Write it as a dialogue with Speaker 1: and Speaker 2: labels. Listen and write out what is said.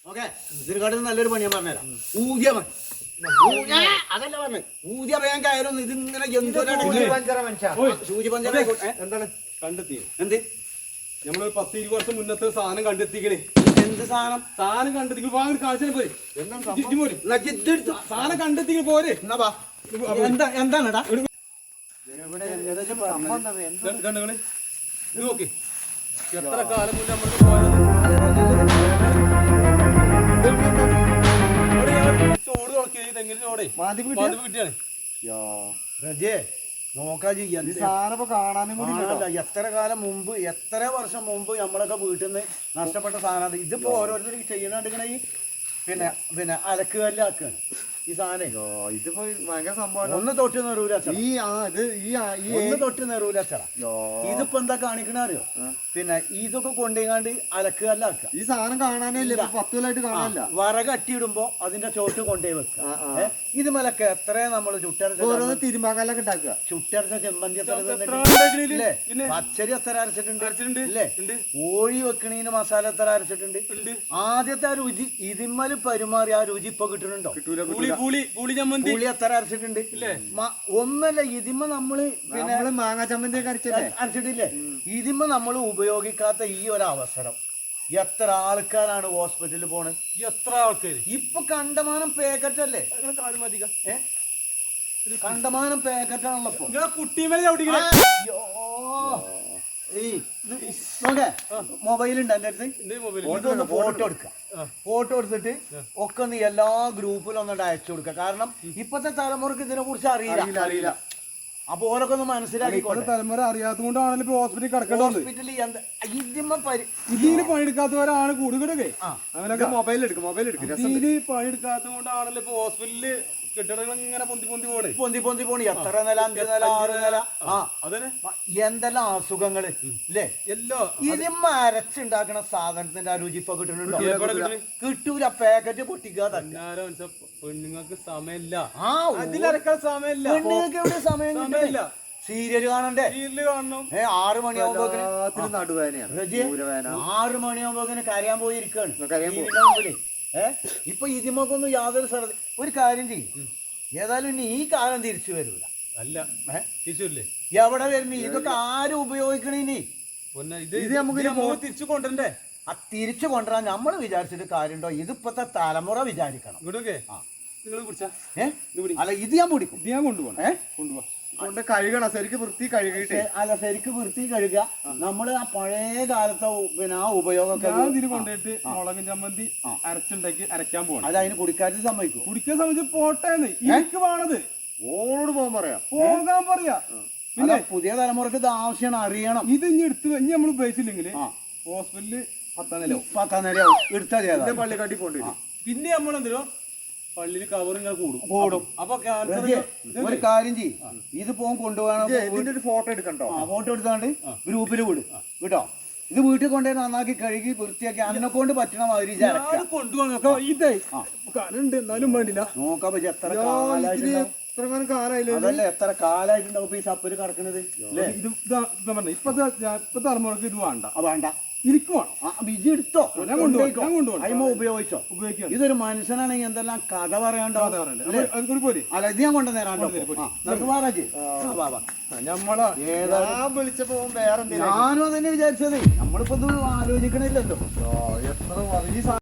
Speaker 1: Okay ഇതിനെക്കാട്ടും നല്ലൊരു പണി ഞാൻ പറഞ്ഞുതരാം. ഊതിയ പണി അതല്ല പറഞ്ഞു. ഊതിയ വേഗം കയറുന്നു. ഇതിങ്ങനെ സൂചി പഞ്ചറ
Speaker 2: എന്താണ് കണ്ടെത്തി?
Speaker 1: എന്ത്
Speaker 2: നമ്മള് 10-20 വർഷം മുന്നത്തെ സാധനം കണ്ടെത്തിക്കണേ.
Speaker 1: എന്ത് സാധനം?
Speaker 2: സാധനം കണ്ടെത്തി വാങ്ങി കാഴ്ച പോരെ. സാധനം കണ്ടെത്തി പോരെ.
Speaker 1: എന്താണെടാ
Speaker 2: കണ്ടുകളെ ഇത് നോക്കി. എത്ര കാലം മുന്നേ നമ്മൾക്ക് പോയത് ചോട് നോക്കി തെങ്ങിന് ചോടേ കിട്ടിയാണ്.
Speaker 1: എത്ര കാലം മുമ്പ് എത്ര വർഷം മുമ്പ് നമ്മളൊക്കെ വീട്ടിൽ നിന്ന് നഷ്ടപ്പെട്ട സാധനം. ഇതിപ്പോ ഓരോരുത്തർ ചെയ്യുന്നുണ്ടെങ്കിൽ ഈ പിന്നെ അലക്കുകല്ലാക്കാണ് ഈ സാധനം.
Speaker 3: ഇതിപ്പോ ഭയങ്കര സംഭവം.
Speaker 1: ഒന്ന് തൊട്ട് നെറൂല ഒന്ന് തൊട്ട് നെറൂല ചട. ഇതിപ്പോ എന്താ കാണിക്കണ അറിയോ? പിന്നെ ഇതൊക്കെ കൊണ്ടുപോയിക്കാണ്ട് അലക്കുകല്ലാക്കുക.
Speaker 3: ഈ സാധനം കാണാനേ ഇല്ല, 10 കൊല്ലമായിട്ട് കാണാനില്ല.
Speaker 1: വറക് അട്ടിയിടുമ്പോ അതിന്റെ ചോട്ട് കൊണ്ടുപോയി വെക്കുക. ഇത് മലക്ക് എത്ര നമ്മള്
Speaker 3: ഓരോന്ന് തിരുമ്പാക്കല്ലൊക്കെ ഉണ്ടാക്കുക.
Speaker 1: ചുട്ടരച്ച ചെമ്പന്തി പച്ചരി എത്ര അരച്ചിട്ടുണ്ട് ഇല്ലേ? കോഴി വെക്കണീന് മസാല എത്ര അരച്ചിട്ടുണ്ട്. ആദ്യത്തെ ആ രുചി ഇതിന്മേല് പരിമാറി ആ രുചി ഇപ്പൊ കിട്ടുന്നുണ്ടോ? പുളി എത്ര അരച്ചിട്ടുണ്ട്. ഒന്നല്ല ഇതിമ്മ നമ്മള്
Speaker 3: പിന്നെ മാങ്ങ ചമ്മന്തി
Speaker 1: അരച്ചിട്ടില്ലേ? ഇതിമ്മ നമ്മൾ ഉപയോഗിക്കാത്ത ഈ ഒരു അവസരം എത്ര ആൾക്കാരാണ് ഹോസ്പിറ്റലിൽ പോണത്?
Speaker 2: എത്ര ആൾക്കാര്
Speaker 1: ഇപ്പൊ കണ്ടമാനം പാക്കറ്റ് അല്ലേ? കണ്ടമാനം പാക്കറ്റാണല്ലോ ഇപ്പൊ.
Speaker 2: കുട്ടിമേലെ
Speaker 1: മൊബൈൽ ഉണ്ട് എന്റെ അടുത്ത്. ഫോട്ടോ എടുക്കുക. ഫോട്ടോ എടുത്തിട്ട് ഒക്കെ ഒന്ന് എല്ലാ ഗ്രൂപ്പിലും ഒന്നിട്ട് അയച്ചു കൊടുക്കുക. കാരണം ഇപ്പത്തെ തലമുറക്ക് ഇതിനെ കുറിച്ച് അറിയില്ല. അപ്പൊ ഓരൊക്കെ ഒന്ന് മനസ്സിലാക്കി.
Speaker 2: തലമുറ അറിയാത്തതുകൊണ്ടാണല്ലോ ഹോസ്പിറ്റലിൽ കിടക്കേണ്ടത്.
Speaker 1: ഇതിന്
Speaker 2: പണിയെടുക്കാത്തവരാണ് കൂടുതലൊക്കെ.
Speaker 3: അവനൊക്കെ മൊബൈൽ എടുക്കും.
Speaker 2: ഇതിന് പണിയെടുക്കാത്തത് കൊണ്ടാണല്ലോ ഇപ്പൊ ഹോസ്പിറ്റലില് കെട്ടിടങ്ങൾ ഇങ്ങനെ
Speaker 1: പൊന്തി പോണി. എത്ര നില, 5 നില, 6 നില. എന്തെല്ലാം അസുഖങ്ങള് ഇല്ലേ? ഇതിമ്മ അരച്ചുണ്ടാക്കണ സാധനത്തിന്റെ ആ രുചി ഇപ്പൊ കിട്ടുന്നുണ്ടോ? കിട്ടൂല. പാക്കറ്റ് പൊട്ടിക്കുക തന്നെ.
Speaker 2: പെണ്ണുങ്ങൾക്ക് സമയമില്ല.
Speaker 1: അതിലരക്കാൻ സമയമില്ല. പെണ്ണുങ്ങൾക്ക് എവിടെ സമയമില്ല. സീരിയല് കാണണ്ടേ? 6 മണിയാകുമ്പോ 6 മണിയാകുമ്പോ കരയാൻ പോയിരിക്കാണ്. ഇപ്പൊ ഇതിമൊക്കൊന്നും യാതൊരു സ്ഥലത്ത്. ഒരു കാര്യം ചെയ്യും, ഏതായാലും ഇനി ഈ കാലം തിരിച്ചു വരൂല.
Speaker 2: അല്ല തിരിച്ചില്ലേ?
Speaker 1: എവിടെ വരുന്നു? ഇതൊക്കെ ആരും ഉപയോഗിക്കണീനി.
Speaker 2: ഇത് നമുക്ക് തിരിച്ചു കൊണ്ടുവരണ്ടേ?
Speaker 1: ആ തിരിച്ചു കൊണ്ടുവരാൻ നമ്മൾ വിചാരിച്ചിട്ട് കാര്യമുണ്ടോ? ഇതിപ്പത്തെ തലമുറ വിചാരിക്കണം. അല്ല ഇത് ഞാൻ പിടിക്കും.
Speaker 2: ഇത് ഞാൻ കൊണ്ടുപോകണം.
Speaker 3: കൊണ്ട് കഴുകണം. ശരിക്കും വൃത്തി കഴുകിട്ട്.
Speaker 1: അല്ല ശരിക്കും വൃത്തി കഴുകുക. നമ്മള് ആ പഴയ കാലത്തെ പിന്നെ ആ ഉപയോഗമൊക്കെ
Speaker 2: കൊണ്ടുപോയിട്ട് മുളകും ചമ്മന്തി അരച്ചുണ്ടാക്കി അരയ്ക്കാൻ പോകണം.
Speaker 1: അത് അതിന് കുടിക്കാറ്റ് സമ്മതിക്കും.
Speaker 2: കുടിക്കാൻ സമ്മതിച്ച് പോട്ടേന്ന് എനിക്ക് വേണത്.
Speaker 3: ഓളോട് പോകാൻ
Speaker 2: പറയാ.
Speaker 1: പിന്നെ പുതിയ തലമുറക്ക് ഇത് ആവശ്യമാണ്, അറിയണം.
Speaker 2: ഇത് ഇനി നമ്മൾ ഉപയോഗിച്ചില്ലെങ്കിൽ ഹോസ്പിറ്റലില്
Speaker 1: 10 നിലയാവും. എടുത്താൽ
Speaker 3: പള്ളിക്കാട്ടി പോണ്ടി.
Speaker 2: പിന്നെ നമ്മളെന്തോ പള്ളിയിൽ കവറിങ്ങനെ കൂടും. അപ്പൊ
Speaker 1: ഒരു കാര്യം ചെയ്യും, ഇത് കൊണ്ടുപോകണം.
Speaker 3: ഇതിന്റെ ഒരു ഫോട്ടോ എടുക്കണ്ടോ?
Speaker 1: ഫോട്ടോ എടുത്താണ്ട് ഗ്രൂപ്പിൽ വിടും കേട്ടോ. ഇത് വീട്ടിൽ കൊണ്ടുപോയി നന്നാക്കി കഴുകി വൃത്തിയാക്കി അന്നെ കൊണ്ട് പറ്റണ മാതിരി
Speaker 2: കൊണ്ടുപോകാൻ ഇതേ കലുണ്ട് എന്നാലും വേണ്ടില്ല.
Speaker 1: നോക്കാൻ പറ്റും. എത്ര
Speaker 3: കാലായില്ലേ?
Speaker 1: അതല്ലേ എത്ര കാലായിട്ടുണ്ടാവും ഈ സപ്പര് കിടക്കണത്.
Speaker 2: ഇപ്പത്തെ തലമുറക്ക് ഇത് വേണ്ട.
Speaker 1: ഇരിക്കുവാണോ? ബിജി എടുത്തോ? ഉപയോഗിച്ചോ? ഇതൊരു മനുഷ്യനാണെങ്കിൽ എന്തെല്ലാം കഥ പറയാണ്ടാവും. അല്ല ഇത് ഞാൻ കൊണ്ടുവന്നേരാണ്ടോ?
Speaker 3: വിളിച്ചപ്പോ വേറെ
Speaker 1: ഞാനും അതന്നെ വിചാരിച്ചത്. നമ്മളിപ്പോ ഇത് ആലോചിക്കണില്ലല്ലോ.
Speaker 3: എത്ര